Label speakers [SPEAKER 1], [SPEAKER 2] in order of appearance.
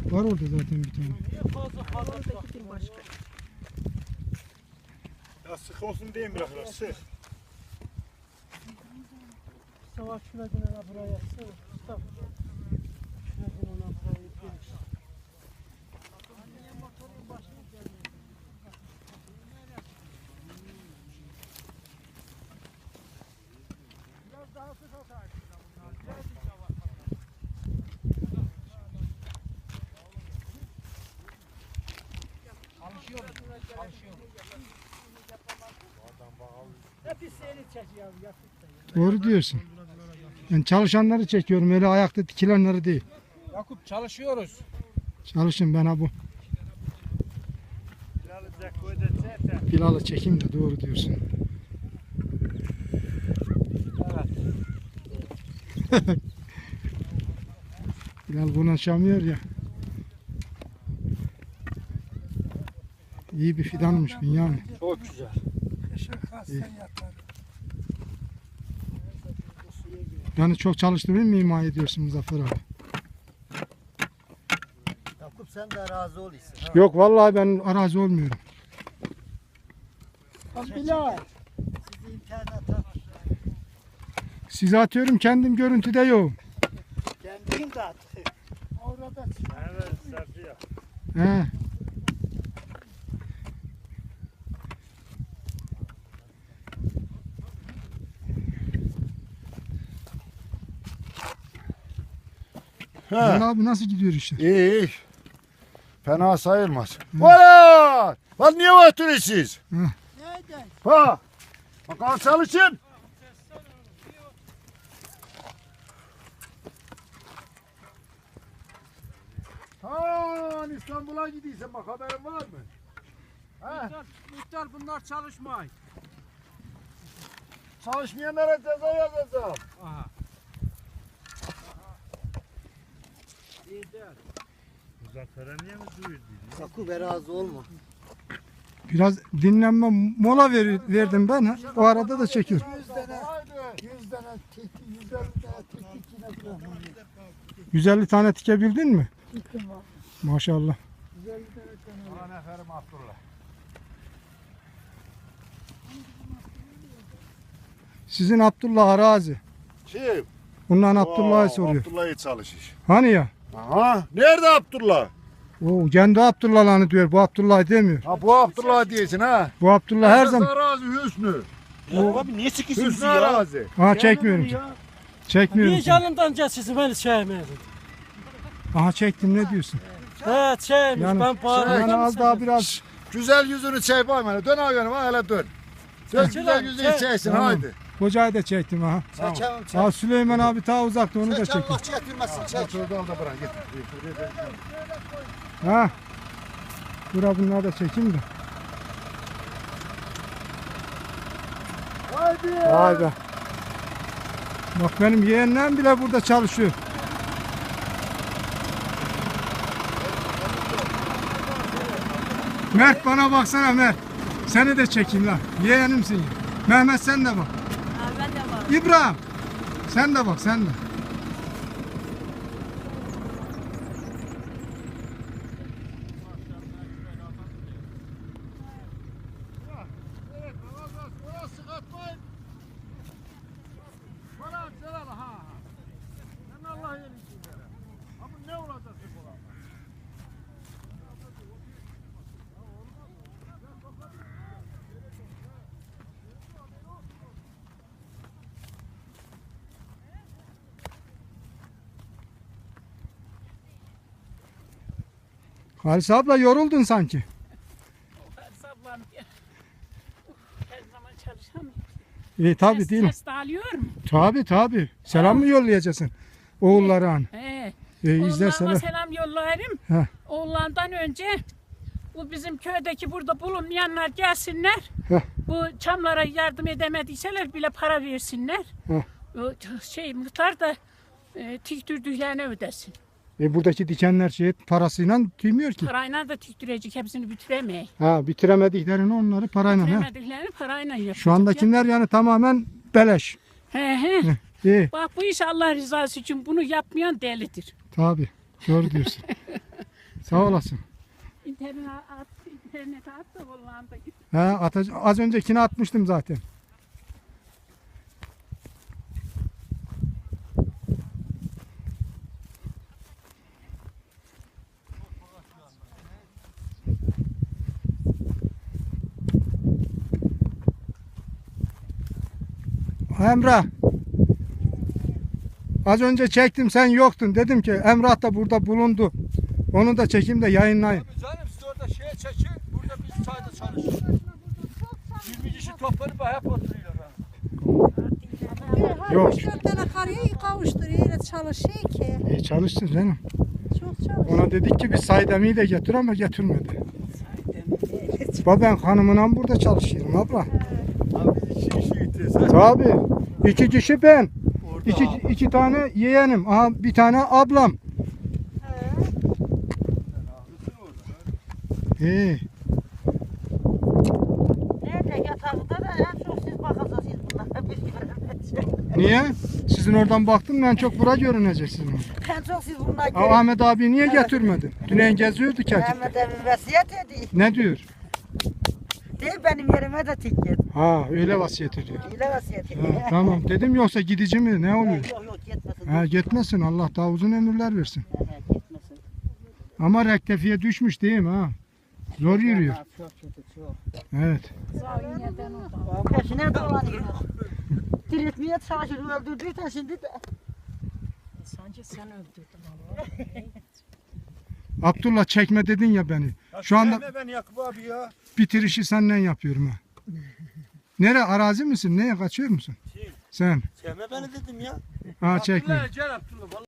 [SPEAKER 1] Var orada zaten bir tane.
[SPEAKER 2] Oradaki başka.
[SPEAKER 3] Ya sık olsun diye mi bırakırlar? Sık.
[SPEAKER 2] Savaş şuna gene buraya yatsana. Mustafa. Şuna gene ona buraya geliş. Biraz daha sık atarsın. Hep seni çekiyor Yakup da.
[SPEAKER 1] Doğru diyorsun. Ben çalışanları çekiyorum. Öyle ayakta dikilenleri değil.
[SPEAKER 4] Yakup çalışıyoruz.
[SPEAKER 1] Çalışın ben ha bu. Bilal'ı çekeyim de doğru diyorsun.
[SPEAKER 4] Evet.
[SPEAKER 1] Bilal konuşamıyor ya. İyi bir fidanmış Bünyamin.
[SPEAKER 4] Çok güzel.
[SPEAKER 1] Yani çok çalıştığını mı ima ediyorsun Muzaffer abi?
[SPEAKER 5] Yakup sen de razı ol iyisin. Ha?
[SPEAKER 1] Yok vallahi ben arazi olmuyorum.
[SPEAKER 2] Bilal.
[SPEAKER 5] Sizi internete
[SPEAKER 1] Size atıyorum kendim görüntüde yok.
[SPEAKER 5] kendin de at.
[SPEAKER 2] Orada
[SPEAKER 3] Evet Safiye.
[SPEAKER 1] He. Bilal abi nasıl gidiyor işte?
[SPEAKER 6] İyi iyi. Fena sayılmaz. Valla! Lan niye oturuyorsunuz?
[SPEAKER 2] Nereden?
[SPEAKER 6] Ha! Bakalım çalışın. Ha, İstanbul'a gidiyorsun bak haberin var mı? Ha?
[SPEAKER 4] Muhtar bunlar çalışmayın.
[SPEAKER 6] Çalışmayanlara ceza yazacağım.
[SPEAKER 4] Aha.
[SPEAKER 3] Muzaffer'e niye mi duyuyor?
[SPEAKER 5] Yakup razı olma.
[SPEAKER 1] Biraz dinlenme mola verdim ben. Ha. O arada da çekiyorum.
[SPEAKER 5] 100 tane tiki, 150 tane tiki yine bırak.
[SPEAKER 1] 150 tane tikebildin mi?
[SPEAKER 2] Gittim var.
[SPEAKER 1] Maşallah.
[SPEAKER 6] Ulan eferim Abdullah.
[SPEAKER 1] Sizin Abdullah arazi.
[SPEAKER 6] Kim?
[SPEAKER 1] Bundan Abdullah'ı soruyor.
[SPEAKER 6] Abdullah'ı çalışır.
[SPEAKER 1] Hani ya?
[SPEAKER 6] Aha, nerede Abdullah?
[SPEAKER 1] O kendi Abdullah'ını diyor. Bu Abdullah demiyor.
[SPEAKER 6] Ha bu Abdullah diyorsun ha.
[SPEAKER 1] Bu Abdullah her zaman.
[SPEAKER 6] Arazi Hüsnü.
[SPEAKER 3] Abi niye sıkıyorsunuz
[SPEAKER 6] Hüsnü arazi.
[SPEAKER 1] Aha çekmiyorum. Çekmiyorum.
[SPEAKER 2] Niye canımdan sizi beni sevmedin?
[SPEAKER 1] Aha çektim ne diyorsun?
[SPEAKER 2] Evet sevmiş
[SPEAKER 1] Yani-
[SPEAKER 2] ben bağırdım.
[SPEAKER 1] Yani az daha biraz.
[SPEAKER 6] Güzel yüzünü çek bakayım. Dön ağabeyim ha hele dön. Dön
[SPEAKER 2] Çek
[SPEAKER 6] güzel
[SPEAKER 2] lan,
[SPEAKER 6] yüzünü
[SPEAKER 2] çek.
[SPEAKER 6] çeksin
[SPEAKER 1] Tamam.
[SPEAKER 6] haydi.
[SPEAKER 1] Kocayı da çektim aha.
[SPEAKER 5] Çekelim çek.
[SPEAKER 1] Aa Süleyman abi ta uzakta onu da
[SPEAKER 5] Çek
[SPEAKER 1] çektim.
[SPEAKER 5] Allah çektirmesin çek.
[SPEAKER 6] Şurada al da bırak git.
[SPEAKER 1] Ha. Bura bunları da çekeyim de.
[SPEAKER 6] Haydi.
[SPEAKER 1] Vay be. Bak benim yeğenlerim bile burada çalışıyor. Mert bana baksana Mert. Seni de çekeyim lan. Yeğenimsin ya. Mehmet sen de bak.
[SPEAKER 2] Ben de var.
[SPEAKER 1] İbrahim. Sen de bak sen de.
[SPEAKER 6] Evet, orası katmayın. Bana selam ha. Ben Allah yerin için. Ama ne olacak bu olan?
[SPEAKER 1] Halis abla yoruldun sanki.
[SPEAKER 7] Sablan her zaman çalışamıyor.
[SPEAKER 1] Tabi değil mi?
[SPEAKER 7] Ses de alıyor mu?
[SPEAKER 1] Tabi. Selam mı yollayacaksın? Oğullara an.
[SPEAKER 7] He.
[SPEAKER 1] İzlerseler.
[SPEAKER 7] Oğullarıma selam yollarım.
[SPEAKER 1] He.
[SPEAKER 7] Oğullardan önce bu bizim köydeki burada bulunmayanlar gelsinler.
[SPEAKER 1] Heh.
[SPEAKER 7] Bu çamlara yardım edemediyseler bile para versinler.
[SPEAKER 1] Heh.
[SPEAKER 7] O muhtar da tiktürdüklerini ödesin.
[SPEAKER 1] Buradaki dikenler parasıyla tüymüyor ki.
[SPEAKER 7] Parayla da tiktirecek, hepsini bitiremeyiz.
[SPEAKER 1] Ha bitiremediklerini onları parayla. Ha.
[SPEAKER 7] Bitiremediklerini parayla yapacak.
[SPEAKER 1] Şu andakiler yani tamamen beleş.
[SPEAKER 7] He.
[SPEAKER 1] İyi.
[SPEAKER 7] Bak bu iş Allah rızası için bunu yapmayan delidir.
[SPEAKER 1] Tabi. Doğru diyorsun. Sağ olasın.
[SPEAKER 7] İnternete at da vallahi.
[SPEAKER 1] Ha, az öncekini atmıştım zaten. Emrah. Az önce çektim sen yoktun. Dedim ki Emrah da burada bulundu. Onu da çekeyim de yayınlayayım.
[SPEAKER 6] Abi canım siz orada şeye çekin. Burada biz çayda çalışıyoruz. 20 kişi toplanıp hep oturuyorlar.
[SPEAKER 1] Yok.
[SPEAKER 2] 3-4 tane karıyı kavuşturuyor. Öyle çalışıyor ki.
[SPEAKER 1] İyi çalışsın canım.
[SPEAKER 2] Çok çalışıyor.
[SPEAKER 1] Ona dedik ki bir Saydem'i de getir ama getirmedi. Ben hanımla burada çalışıyorum abla.
[SPEAKER 6] Abi biz 2 kişi gideceğiz.
[SPEAKER 1] Tabii. 2 kişi ben.
[SPEAKER 6] Orada
[SPEAKER 1] İki tane yeğenim. Aha, bir tane ablam. İyi.
[SPEAKER 8] Nerede yatakta da en çok siz bakacaksınız bunlara. Biz göremeyeceğiz.
[SPEAKER 1] Niye? Sizin oradan baktım en çok bura görünecek sizin.
[SPEAKER 8] En çok siz bunlar
[SPEAKER 1] Aa,
[SPEAKER 8] görün.
[SPEAKER 1] Ahmet abi niye getirmedin? Dün geziyordu Kerkük'te.
[SPEAKER 8] Ahmet evi vasiyet ediyor.
[SPEAKER 1] Ne diyor?
[SPEAKER 8] Değil benim yerime de tik git.
[SPEAKER 1] Ha öyle vasiyet ediyor.
[SPEAKER 8] Öyle vasiyet ediyor.
[SPEAKER 1] Ha, tamam dedim yoksa gidici mi ne oluyor?
[SPEAKER 8] Yok yok gitmesin.
[SPEAKER 1] Ha gitmesin Allah daha uzun ömürler versin.
[SPEAKER 8] Gitmesin.
[SPEAKER 1] Ama rektefiye düşmüş değil mi ha? Zor yürüyor.
[SPEAKER 8] Çok kötü çok.
[SPEAKER 1] Evet.
[SPEAKER 7] Zaviye'den o da.
[SPEAKER 8] Peşine dolanıyor. Diriltmeye çalışır öldürdüysen şimdi de.
[SPEAKER 7] Sanki sen öldürdün vallahi.
[SPEAKER 1] Abdullah çekme dedin ya beni. Şu anda
[SPEAKER 6] sevme beni Yakup abi ya.
[SPEAKER 1] bitirişi senden yapıyorum ha. Nere arazi misin? Neye kaçıyor musun? Sen.
[SPEAKER 6] Sevme beni dedim ya.
[SPEAKER 1] Ha çekme.
[SPEAKER 6] Abdullah gel Abdullah.